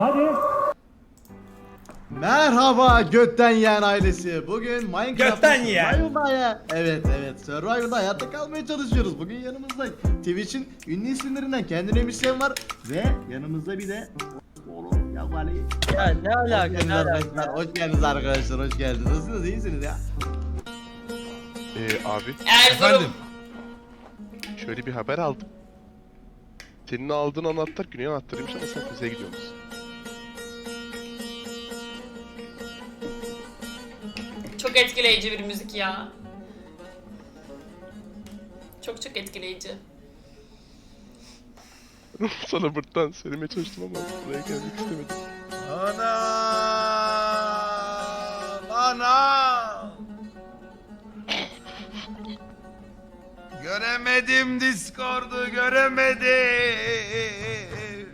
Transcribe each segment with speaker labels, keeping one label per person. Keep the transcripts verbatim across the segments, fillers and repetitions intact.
Speaker 1: Hadi.
Speaker 2: Merhaba Götten Yiyen ailesi. Bugün Minecraft'ta
Speaker 3: Götten Yiyen.
Speaker 2: Survival'da evet evet Survival'da hayatta kalmaya çalışıyoruz. Bugün yanımızda Twitch'in ünlü isimlerinden kendine müzisyen var ve yanımızda bir de oğlum ya Ali.
Speaker 4: Ya ne alaka
Speaker 2: Hoş
Speaker 4: ne
Speaker 2: geldiniz
Speaker 4: alaka?
Speaker 2: arkadaşlar. Hoş geldiniz arkadaşlar. Hoş geldiniz. Nasılsınız? İyisiniz ya?
Speaker 5: Ee, abi
Speaker 3: Efendim.
Speaker 5: şöyle bir haber aldım. Senin aldığın anahtar güney anahtarıymış ama sen kuzeye gidiyorsun.
Speaker 6: Çok etkileyici bir müzik ya. Çok çok etkileyici.
Speaker 5: Sana buradan söylemeye çalıştım ama buraya gelmek istemedim.
Speaker 3: Ana! Ana! Göremedim Discord'u, göremedim.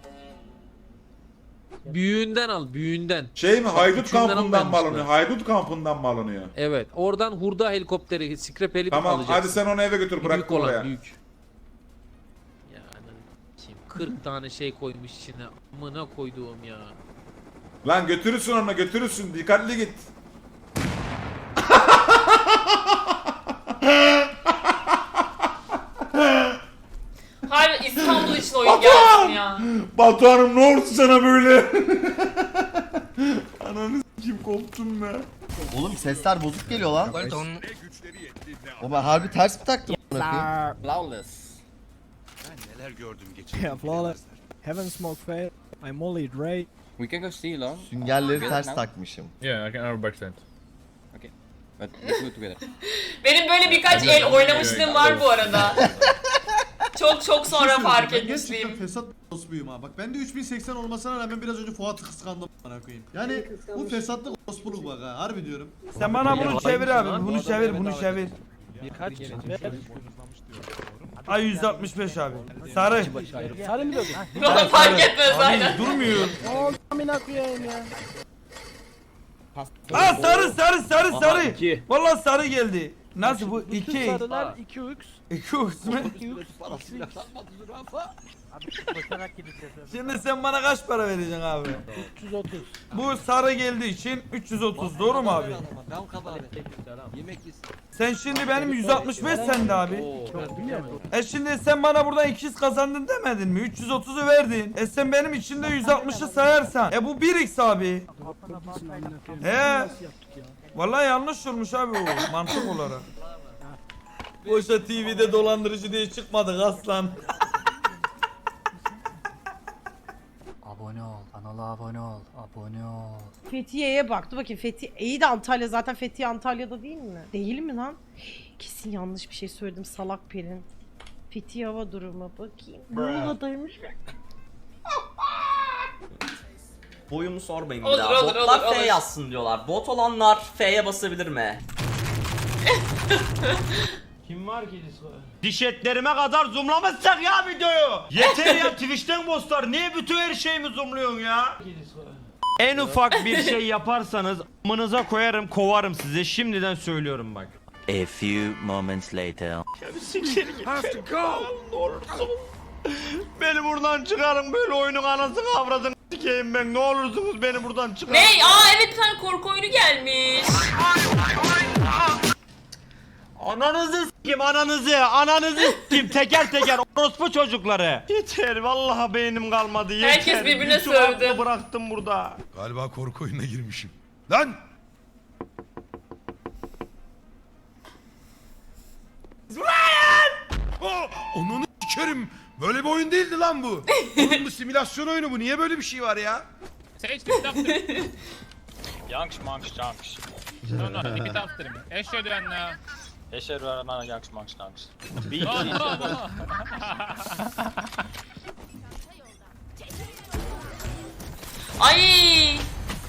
Speaker 7: Büyüğünden al, büyüğünden.
Speaker 8: Şey mi? Haydut
Speaker 7: Küçüğünden
Speaker 8: kampından mı
Speaker 7: almamışlar.
Speaker 8: alınıyor? Haydut kampından mı alınıyor?
Speaker 7: Evet, oradan hurda helikopteri, scrap helikopteri
Speaker 8: Tamam
Speaker 7: alacaksın.
Speaker 8: hadi sen onu eve götür, bırak
Speaker 7: Büyük olan,
Speaker 8: oraya.
Speaker 7: büyük. Yani kim kırk tane şey koymuş içine. Amına koyduğum ya.
Speaker 8: Lan götürürsün onu, götürürsün. Dikkatli git.
Speaker 6: Hayır, İstanbul için oyun gelsin ya.
Speaker 8: Batuhan'ım ne oldu sana böyle? Ananı s**kim koptum be.
Speaker 2: Oğlum sesler bozuk geliyor lan. O ben harbi ters mi taktım?
Speaker 4: Flawless.
Speaker 1: Yeah, flawless. Heaven smoke fail. I'm Molly Dre.
Speaker 4: We can go steal on.
Speaker 2: Süngerleri ters takmışım.
Speaker 9: Yeah, I can arrow backstand.
Speaker 4: But let's do it together.
Speaker 6: Benim böyle birkaç el oynamışlığım var bu arada. Çok çok sonra fark
Speaker 2: Gerçekten
Speaker 6: etmişliğim.
Speaker 2: fesat ospuyum ha. Bak ben de üç bin seksen olmasına rağmen biraz önce Fuat'ı kıskandım bana koyayım. Yani bu fesatlık ospuluk bak ha. Harbi diyorum.
Speaker 3: Sen bana bunu çevir abi, bunu çevir, bunu çevir.
Speaker 7: Kaç?
Speaker 3: Ay yüz altmış beş abi. Sarı.
Speaker 1: Sarı mı diyordun?
Speaker 6: Bana fark etmez aynen.
Speaker 3: Abi durmuyor.
Speaker 1: Oğlum amına koyayım ya.
Speaker 3: Aa sarı, sarı, sarı, sarı. Vallahi sarı geldi. Nasıl bu?
Speaker 1: Bütün
Speaker 3: iki.
Speaker 1: sarılar iki üç.
Speaker 3: İki uçma. Şimdi sen bana kaç para vereceksin abi?
Speaker 1: üç yüz otuz.
Speaker 3: Bu sarı geldiği için üç yüz otuz, doğru mu abi? Sen şimdi benim yüz altmış beş sende abi.
Speaker 1: Biliyor musun?
Speaker 3: E şimdi sen bana buradan ikiz kazandın demedin mi? üç yüz otuzu verdin. E sen benim içinde yüz altmışı sayarsan. E bu bir x abi. He.
Speaker 1: Nasıl yaptık ya?
Speaker 3: Vallahi yanlış olmuş abi o mantık olarak. Boşa T V'de dolandırıcı diye çıkmadık aslan.
Speaker 10: Abone ol, kanala abone ol, abone ol.
Speaker 11: Fethiye'ye baktı. Bakayım Fethiye iyi de Antalya, zaten Fethiye Antalya'da değil mi? Değil mi lan? Kesin yanlış bir şey söyledim, salak Pelin. Fethiye hava durumu bakayım. Muğla'daymış.
Speaker 4: Boyumu sormayın bir
Speaker 6: Olur,
Speaker 4: daha.
Speaker 6: olur,
Speaker 4: Botlar
Speaker 6: olur,
Speaker 4: F
Speaker 6: olur.
Speaker 4: yazsın diyorlar. Bot olanlar F'ye basabilir mi?
Speaker 3: Diş etlerime kadar zoomlamışsak ya videoyu. Yeter ya, Twitch'ten bosslar. Niye bütün her şeyimi zoomluyorsun ya? En ufak bir şey yaparsanız amınıza koyarım, kovarım size. Şimdiden söylüyorum bak.
Speaker 10: A few moments later.
Speaker 3: Beni buradan çıkarın, böyle oyunun anasını avradını sikeyim ben. Ne olursunuz beni buradan çıkarın.
Speaker 6: Ne? Aa evet, bir tane korku oyunu gelmiş.
Speaker 3: Ananızı s**kim, ananızı, ananızı s**kim teker teker orospu çocukları. Yeter, vallahi beynim kalmadı, yeter.
Speaker 6: Herkes birbirine
Speaker 3: Bütün
Speaker 6: sövdü.
Speaker 3: aklı bıraktım burada.
Speaker 12: Galiba korku oyununa girmişim. Lan! Ryan! Oh, onu sikerim. Böyle bir oyun değildi lan bu. Oğlum bu simülasyon oyunu bu. Niye böyle bir şey var ya?
Speaker 9: Sage, repeat after me. Yanks, monks, yanks. No, no, repeat after me. Eşhedü enne. Eşhedü enne yanks, monks, yanks. No, no, no.
Speaker 6: Ay!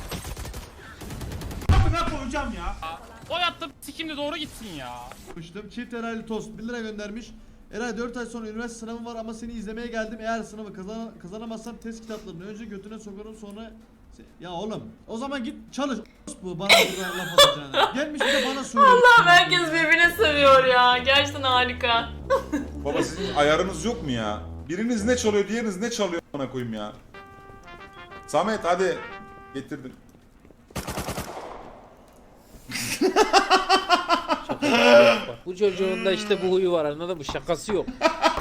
Speaker 9: O yattı sikimde doğru gitsin ya.
Speaker 2: Konuştum. Çift Eraylı Tost bir lira göndermiş. Eray dört ay sonra üniversite sınavım var ama seni izlemeye geldim. Eğer sınavı kazan kazanamazsam test kitaplarını önce götüne sokarım sonra... Ya oğlum o zaman git çalış bu bana burada laf atacağına. Gelmiş bir de bana söylüyor.
Speaker 6: Allah'ım, herkes birbirine sövüyor ya. Gerçekten harika.
Speaker 8: Baba sizin ayarınız yok mu ya? Biriniz ne çalıyor, diğeriniz ne çalıyor bana koyayım ya. Samet hadi. Getirdim.
Speaker 7: Bu çocuğun da işte bu huyu var, anladın mı? Şakası yok.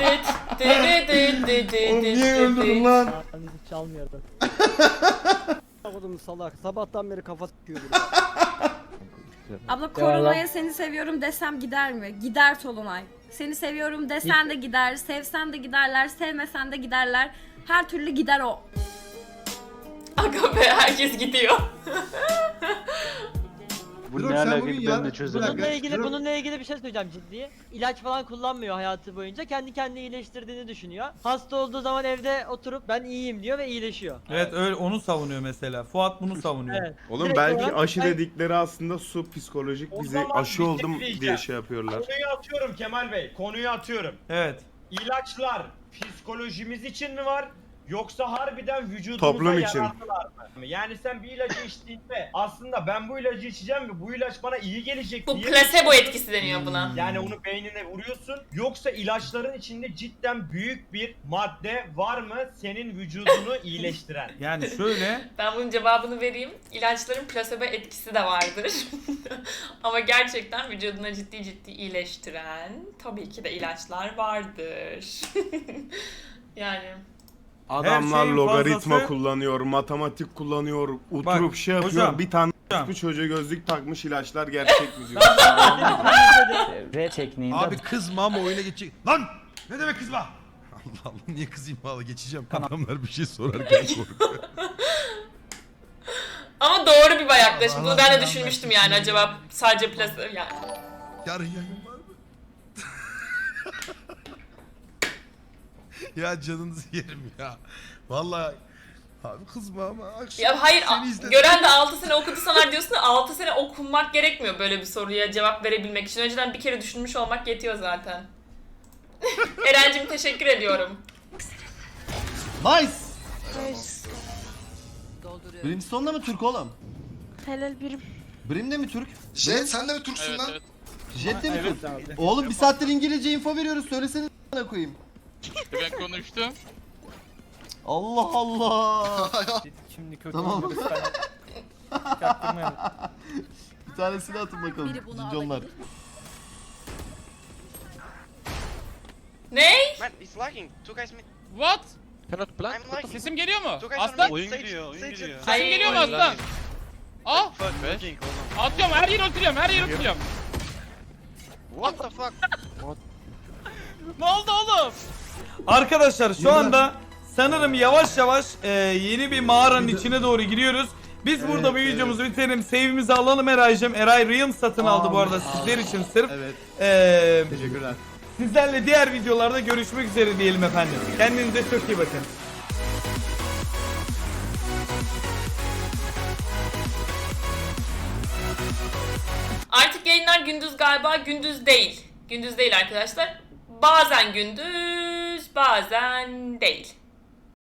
Speaker 8: Oğlum niye öldürdün lan?
Speaker 1: Çalmıyordu. Oğlum salak. Sabahtan beri kafa sıkıyor.
Speaker 11: Abla Korona'ya seni seviyorum desem gider mi? Gider Tolunay. Seni seviyorum desen de gider, sevsen de giderler, sevmesen de giderler. Her türlü gider o.
Speaker 6: Aga be, herkes gidiyor.
Speaker 2: Bu ne alaka ben de çözemedim.
Speaker 1: Bununla ilgili bununla ilgili bir şey söyleyeceğim ciddi. İlaç falan kullanmıyor hayatı boyunca. Kendi kendini iyileştirdiğini düşünüyor. Hasta olduğu zaman evde oturup ben iyiyim diyor ve iyileşiyor.
Speaker 12: Evet öyle onu savunuyor mesela. Fuat bunu savunuyor.
Speaker 1: Evet.
Speaker 5: Oğlum
Speaker 1: Direkt
Speaker 5: belki
Speaker 1: olarak-
Speaker 5: aşı dedikleri aslında su psikolojik
Speaker 3: O
Speaker 5: bize
Speaker 3: zaman
Speaker 5: aşı
Speaker 3: bir şey
Speaker 5: oldum
Speaker 3: diyeceğim.
Speaker 5: diye şey yapıyorlar.
Speaker 3: Konuyu atıyorum Kemal Bey. Konuyu atıyorum.
Speaker 12: Evet.
Speaker 3: İlaçlar psikolojimiz için mi var? Yoksa harbiden vücudumuza
Speaker 5: Toplum için.
Speaker 3: yararlılar mı? Yani sen bir ilacı içtiğinde aslında ben bu ilacı içeceğim ve bu ilaç bana iyi gelecek
Speaker 6: Bu
Speaker 3: diye...
Speaker 6: plasebo etkisi deniyor buna.
Speaker 3: Yani onu beynine vuruyorsun. Yoksa ilaçların içinde cidden büyük bir madde var mı senin vücudunu iyileştiren?
Speaker 12: Yani şöyle.
Speaker 6: Ben bunun cevabını vereyim. İlaçların plasebo etkisi de vardır. Ama gerçekten vücuduna ciddi ciddi iyileştiren tabii ki de ilaçlar vardır. Yani...
Speaker 5: Adamlar
Speaker 12: şeyin
Speaker 5: logaritma
Speaker 12: fazlası-
Speaker 5: kullanıyor, matematik kullanıyor, oturup
Speaker 12: Bak,
Speaker 5: şey yapıyor.
Speaker 12: hocam,
Speaker 5: bir tane
Speaker 12: hocam.
Speaker 5: bu çocuğa gözlük takmış ilaçlar gerçek mi diyor.
Speaker 10: R tekniğinde
Speaker 12: Abi kızma ama oyuna geçecek. Lan! Ne demek kızma? Allah Allah niye kızayım valla geçeceğim. Adamlar bir şey sorarken korkuyor.
Speaker 6: Ama doğru bir yaklaşım. Bunu
Speaker 12: Allah
Speaker 6: ben de
Speaker 12: Allah,
Speaker 6: düşünmüştüm
Speaker 12: ben
Speaker 6: yani
Speaker 12: düşünüyorum.
Speaker 6: acaba sadece plasebo yani.
Speaker 12: Yarın yayın var mı? Ya canınızı yerim ya. Vallahi abi kızma ama akşam
Speaker 6: Ya hayır,
Speaker 12: seni
Speaker 6: a-
Speaker 12: izledim.
Speaker 6: gören de altı sene okudu sanar diyorsun da altı sene okunmak gerekmiyor böyle bir soruya cevap verebilmek için. Önceden bir kere düşünmüş olmak yetiyor zaten. Erencim teşekkür ediyorum.
Speaker 2: Nice. Brimstone'da mı Türk oğlum?
Speaker 11: Helal birim.
Speaker 2: Brim de mi Türk?
Speaker 12: Jet sen de mi Türksün
Speaker 9: Evet
Speaker 12: lan?
Speaker 9: evet.
Speaker 2: Jet de mi Türk? Oğlum bir saattir İngilizce info veriyoruz. Söylesene a**ına koyayım.
Speaker 9: Ben konuştum.
Speaker 2: Allah Allah.
Speaker 1: Şimdi kötü
Speaker 2: Tamam.
Speaker 1: oldu, lütfen. Çaktırmayalım.
Speaker 2: Bir tanesini atın bakalım. Cinconlar.
Speaker 6: Ne?
Speaker 9: What?
Speaker 10: Cannot plant.
Speaker 9: Sesim geliyor mu? Aslan?
Speaker 13: Oyun giriyor, oyun giriyor.
Speaker 9: Sesim geliyor mu aslan? Ah! Atıyorum, her yeri ultiliyorum, her yeri ultiliyorum.
Speaker 13: What the fuck?
Speaker 9: Ne oldu oğlum?
Speaker 12: Arkadaşlar şu anda sanırım yavaş yavaş e, yeni bir mağaranın içine doğru giriyoruz. Biz burada bu videomuzu bitirelim. Save'imizi alalım Eray'cım. Eray Realm satın aldı bu arada sizler için sırf.
Speaker 2: Evet.
Speaker 12: E,
Speaker 2: Teşekkürler.
Speaker 12: sizlerle diğer videolarda görüşmek üzere diyelim efendim. Kendinize çok iyi bakın.
Speaker 6: Artık yayınlar gündüz galiba, gündüz değil. Gündüz değil arkadaşlar. Bazen gündüz, bazen değil.